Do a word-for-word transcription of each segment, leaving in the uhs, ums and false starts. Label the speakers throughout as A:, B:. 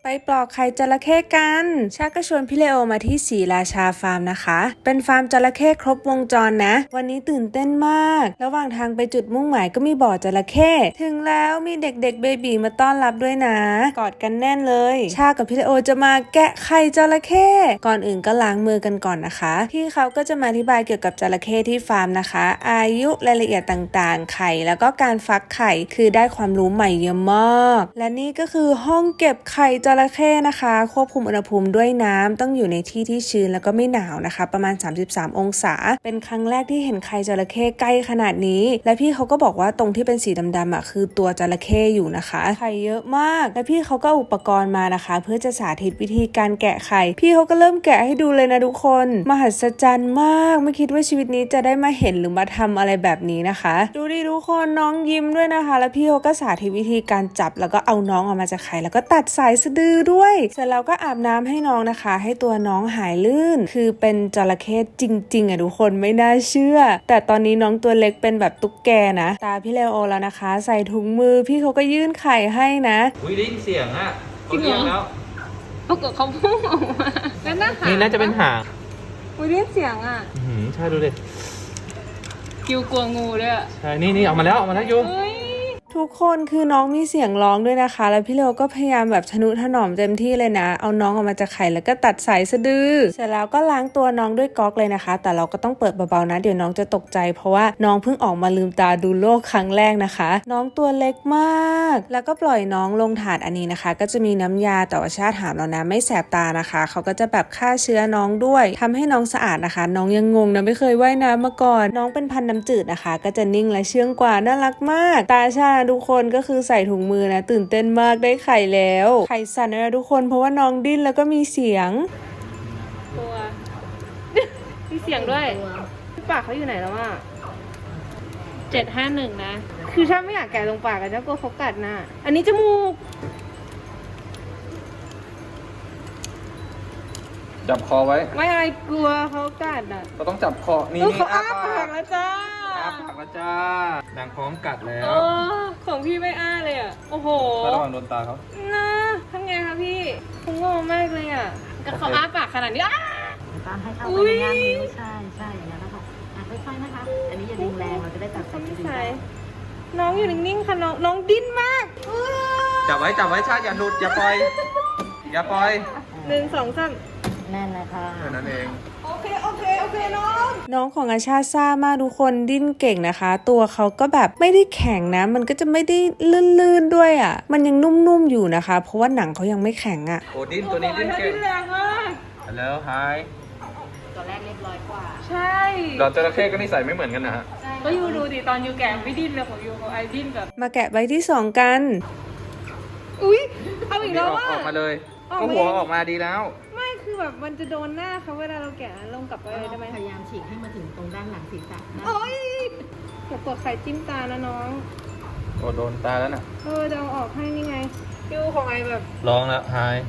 A: ไปปลอกไข่จระเข้กันชาก็ชวนพี่เลโอมาที่ศรีราชาฟาร์มนะคะเป็นฟาร์มจระเข้ครบวงจรนะวันนี้ตื่นเต้นมากระหว่างทางไปจุดมุ่งหมายก็มีบ่อจระเข้ถึงแล้วมีเด็กๆเบบีมาต้อนรับด้วยนะกอดกันแน่นเลยชากับพี่เลโอจะมาแกะไข่จระเข้ก่อนอื่นก็ล้างมือกันก่อนนะคะพี่เขาก็จะมาอธิบายเกี่ยวกับจระเข้ที่ฟาร์มนะคะอายุรายละเอียดต่างๆไข่แล้วก็การฟักไข่คือได้ความรู้ใหม่เยอะมากและนี่ก็คือห้องเก็บไข่จระเข้นะคะควบคุมอุณหภูมิด้วยน้ำต้องอยู่ในที่ที่ชื้นแล้วก็ไม่หนาวนะคะประมาณสามสิบสามองศาเป็นครั้งแรกที่เห็นไข่จระเข้ใกล้ขนาดนี้และพี่เขาก็บอกว่าตรงที่เป็นสีดำๆอ่ะคือตัวจระเข้อยู่นะคะไข่เยอะมากและพี่เขาก็อุปกรณ์มานะคะเพื่อจะสาธิตวิธีการแกะไข่พี่เขาก็เริ่มแกะให้ดูเลยนะทุกคนมหัศจรรย์มากไม่คิดว่าชีวิตนี้จะได้มาเห็นหรือมาทำอะไรแบบนี้นะคะดูดิทุกคนน้องยิ้มด้วยนะคะแล้วพี่เขาก็สาธิตวิธีการจับแล้วก็เอาน้องออกมาจากไข่แล้วก็ตัดสายสะดือด้วยเสร็จแล้วก็อาบน้ำให้น้องนะคะให้ตัวน้องหายลื่นคือเป็นจระเข้จริงๆอ่ะทุกคนไม่น่าเชื่อแต่ตอนนี้น้องตัวเล็กเป็นแบบตุ๊กแกนะตาพี่เลโอแล้วนะคะใส่ถุงมือพี่เขาก็ยื่นไข่ให้นะ
B: อุ้ยได้ยินเสียงอ่ะเขาเรียกแล้ว
C: ปรากฏเขาพุ่งออกมาแล้วน่าหาง
B: นี่น่าจะเป็นหาง
C: อุ้ยได้ยินเสียงอ่ะ
B: อืมใช่ดูดิ
C: คิวกลัวงูด้วยอ่ะ
B: ใช่นี่นี่ออกมาแล้วออกมาแล้วยู
A: ทุกคนคือน้องมีเสียงร้องด้วยนะคะแล้วพี่เลโอก็พยายามแบบทนุถนอมเต็มที่เลยนะเอาน้องออกมาจากไข่แล้วก็ตัดสายสะดือเสร็จแล้วก็ล้างตัวน้องด้วยก๊อกเลยนะคะแต่เราก็ต้องเปิดเบาๆนะเดี๋ยวน้องจะตกใจเพราะว่าน้องเพิ่งออกมาลืมตาดูโลกครั้งแรกนะคะน้องตัวเล็กมากแล้วก็ปล่อยน้องลงถาดอันนี้นะคะก็จะมีน้ำยาแต่ว่าชาถามเรานะไม่แสบตานะคะเขาก็จะแบบฆ่าเชื้อน้องด้วยทำให้น้องสะอาดนะคะน้องยังงงนะไม่เคยว่ายน้ำมาก่อนน้องเป็นพันธุ์น้ำจืดนะคะก็จะนิ่งและเชื่องกว่าน่ารักมากตาชาทุกคนก็คือใส่ถุงมือนะตื่นเต้นมากได้ไข่แล้วไข่สั่นนะทุกคนเพราะว่าน้องดิ้นแล้วก็มีเสียง
C: ตัว มีเสียงด้วยปากเขาอยู่ไหนแล้วอ่ะเจ็ดห้าหนึ่งนะคือถ้าไม่อยากแกะตรงปากอะจะกลัวเขากัดนะอันนี้จมูก
B: จับคอไว้
C: ไม่อะไรกลัวเขากัดอ่ะ
B: เราต้องจับคอนี่นี่
C: เขาอ้าปากแล้วจ้า
B: อ้าปากแล้วจ้าดังพร้อมกัดแล้ว
C: ของพี่ไม่อ้าเลยอ่ะโอ้โห
B: ระวังโดนตาเขา
C: นะทำไงคะพี่คงงงมากเลยอ่ะกับเขาอ้าปากขนาดนี้อ้า
D: ตามให้เข้าไปในงานนี้ใช่ใช่อย่างนั้นนะคะอ่ะค่อยๆนะคะอันนี้อย่าดึงแรงเราจะได้ตัดสายสะดือได้
C: น้องอยู่นิ่งๆค่ะน้องน้องดิ้นมาก
B: จับไว้จับไว้ชาอย่าหลุดอย่าปล่อยอย่าปล่อย
C: หนึ่งสองสาม
D: แน่นนะคะ
B: แค่นั้นเอง
C: โอเคโอเคโอเคน้อง
A: น้องของอาชาซ่ามากทุกคนดิ้นเก่งนะคะตัวเขาก็แบบไม่ได้แข็งนะมันก็จะไม่ได้ลื่นๆด้วยอ่ะมันยังนุ่มๆอยู่นะคะเพราะว่าหนังเขายังไม่แข็งอ่ะ
B: โอ้ดิ้นตัวนี้ดิ้นเก่ง
C: แรงมาก
B: แล้วหาย
D: ตัวแรกเรียบร้อยกว่า
C: ใช่
B: ดอกจระเข้ก็นิสัยไม่เหมือนกันนะฮะ
C: ก็ยูดูดิตอนยูแกะไม่ดิ้นเลยของยูของไอดิ้นแบบ
A: มาแกะใบที่สองกัน
C: อุ้ยเอาอีกแล้ว
B: อ่ะออกมาเลยก็หัวออกมาดีแล้ว
C: ไม่คือแบบมันจะโดนหน้าเขาเวลาเราแกะลงกลับไป
D: เลย
C: ได้ไหม
D: พยายามฉีกให้มาถึงตรงด้านหลังศีรษะ
C: โอ้ยอย่ากดไข่จิ้มตานะน้อง
B: โอ้โดนตาแล้วน่ะ
C: เออจะเอาออกให้นี่ไงยูของไอแบบ
B: ลองแล้วหาย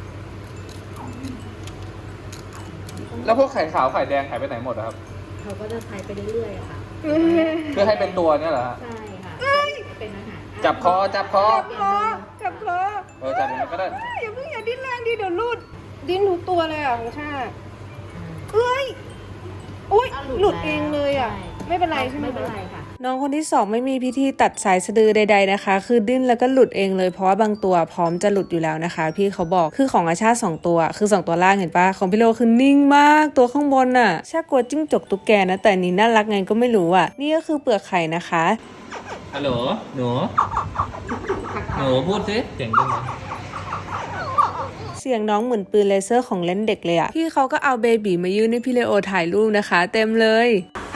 B: แล้วพวกไข่ขาวไข่แดงหายไปไหนหมดครับ
D: เขาก็จะใช้ไปเรื่อยๆค่ะ
B: เพื่อให้เป็นตัวเนี่ยเหรอ
D: ใช่ค่ะเป็นอาหาร
B: จับคอจับคอ
C: จับคอจับคอ
B: เออจับอย่างนั้นก็ได้
C: อย่าเพิ่งอย่าดิ้นแรงดิเดี๋ยวลุดดิ้นทุกตัวเลยอ่ะของชาเอ้ยอุ้ยหลุดเองเลยอ่ะไม่เป็นไรใช่ไหม
D: ไม่เป็นไรค่ะ
A: น้องคนที่สองไม่มีพิธีตัดสายสะดือใดๆนะคะคือดิ้นแล้วก็หลุดเองเลยเพราะว่าบางตัวพร้อมจะหลุดอยู่แล้วนะคะพี่เขาบอกคือของอาชาสองตัวคือสองตัวล่างเห็นปะของพี่โลคือนิ่งมากตัวข้างบนน่ะชากลัวจิ้งจกตุ๊กแกนะแต่นี้น่ารักไงก็ไม่รู้อ่ะนี่ก็คือเปลือกไข่นะคะ
B: ฮัลโหลหนูหนูพูดสิเสียงยังไง
A: เสียงน้องเหมือนปืนเลเซอร์ของเล่นเด็กเลยอะพี่เขาก็เอาเบบีมายื่นให้พี่เลโอถ่ายรูปนะคะเต็มเลย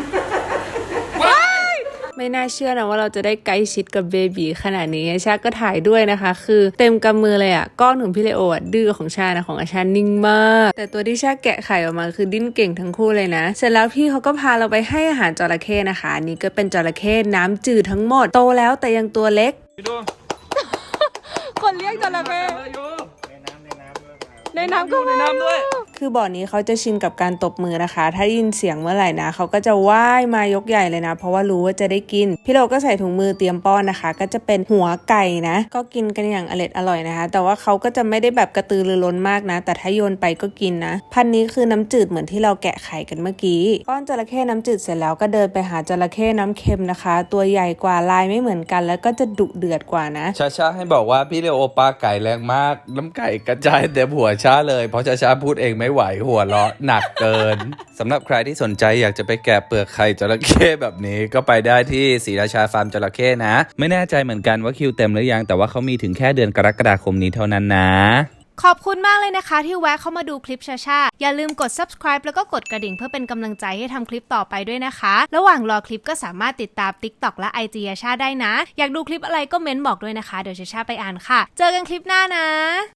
A: ไม่น่าเชื่อนะว่าเราจะได้ใกล้ชิดกับเบบีขนาดนี้ชาก็ถ่ายด้วยนะคะคือเต็มกำมือเลยอะก้อนของพี่เลโออะดื้อของชานะของอาชานิ่งมากแต่ตัวที่ชาแกะไข่ออกมาคือดิ้นเก่งทั้งคู่เลยนะเสร็จแล้วพี่เขาก็พาเราไปให้อาหารจระเข้นะคะนี่ก็เป็นจระเข้น้ำจืดทั้งหมดโตแล้วแต่ยังตัวเล็กคนเรียกจระเข้ในน้ำก็ในน้ำด้วยคืคือบ่อนี้เขาจะชินกับการตบมือนะคะถ้าได้ยินเสียงเมื่อไหร่นะเขาก็จะว่ายมายกใหญ่เลยนะเพราะว่ารู้ว่าจะได้กินพี่เลโอก็ใส่ถุงมือเตรียมป้อนนะคะก็จะเป็นหัวไก่นะก็กินกันอย่างอร็ดอร่อยนะคะแต่ว่าเขาก็จะไม่ได้แบบกระตือรือร้นมากนะแต่ถ้าโยนไปก็กินนะพันนี้คือน้ำจืดเหมือนที่เราแกะไข่กันเมื่อกี้ป้อนจระเข้น้ำจืดเสร็จแล้วก็เดินไปหาจระเข้น้ำเค็มนะคะตัวใหญ่กว่าลายไม่เหมือนกันแล้วก็จะดุเดือดกว่านะ
E: ชาชาให้บอกว่าพี่เลโอปลาไก่แรงมากน้ำไก่กระจายเต็มหัวชาเลยเพราะชาชาพูดเองไม่ไหวหัวเราะหนักเกิน สำหรับใครที่สนใจอยากจะไปแกะเปลือกไข่จระเข้แบบนี้ก็ไปได้ที่ศรีราชาฟาร์มจระเข้นะไม่แน่ใจเหมือนกันว่าคิวเต็มหรือยังแต่ว่าเขามีถึงแค่เดือนกรกฎาคมนี้เท่านั้นนะ
F: ขอบคุณมากเลยนะคะที่แวะเข้ามาดูคลิปชาชาอย่าลืมกด subscribe แล้วก็กดกระดิ่งเพื่อเป็นกำลังใจให้ทำคลิปต่อไปด้วยนะคะระหว่างรอคลิปก็สามารถติดตาม TikTok และ ไอ จี ชาชาได้นะอยากดูคลิปอะไรก็เม้นบอกด้วยนะคะเดี๋ยวชาชาไปอ่านค่ะเจอกันคลิปหน้านะ